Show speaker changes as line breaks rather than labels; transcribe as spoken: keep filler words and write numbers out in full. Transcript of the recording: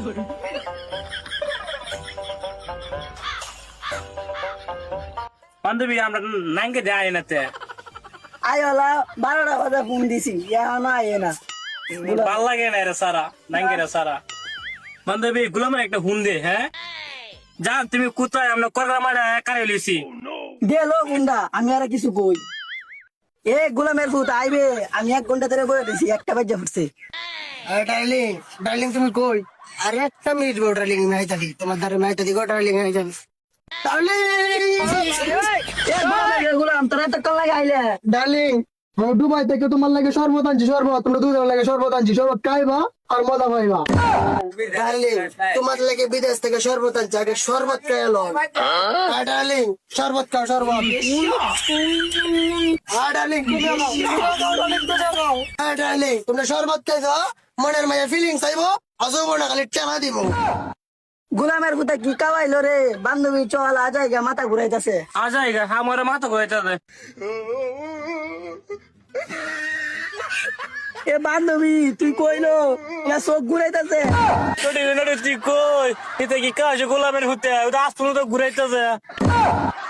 বান্ধবী আমরা নাঙ্গে যাই নাতে
আইওলা বারোটা বাজে ফোন দিছি এখনো আইয়ে না।
ভাল লাগে না রে সারা নাঙ্গে রে সারা বান্ধবী গুলামের একটা হুন দে হ্যাঁ জান তুমি কোথায় আমরা করলা মারা একাই লিছি
গেল গুন্ডা আমি আর কিছু কই এ গোলামের ফুট আইবে আমি এক ঘন্টা ধরে বয়ে দিছি একটা বাজে ফুটছে।
ডার্লিং ডার্লিং তুমি কই? আরে একটা মিনিট গো ডার্লিং নাই থাকি তোমার দ্বারা নাই থাকি গো ডার্লিং হয়ে যাবে
গোলাম তোরা তো কল লাগে আইলে
ডার্লিং দুবাই থেকে তোমার লাগে শরবত আনছি শরবত তোমরা দুজন লাগে শরবত আনছি শরবত খাইবা আর মজা পাইবা। ডার্লিং তোমার লাগে বিদেশ থেকে শরবত আনছি আগে শরবত খাই এলো ডার্লিং শরবত খাও শরবত ডার্লিং ডার্লিং তোমরা শরবত খাইছো মনের মাঝে ফিলিংস আইব আজব না খালি টেমা দিব।
গোলামের ফুটা কি কাওয়াইলো রে বান্ধবী চল আ জায়গা মাথা ঘুরাইতেছে
আ যাইগা আমার মাথা কইতাছে
এ বান্ধবী তুই কইলো না চোখ ঘুরাইতেছে
তুই কই এটা কি কাজ গোলামের হতে আসতো তো ঘুরাইতেছে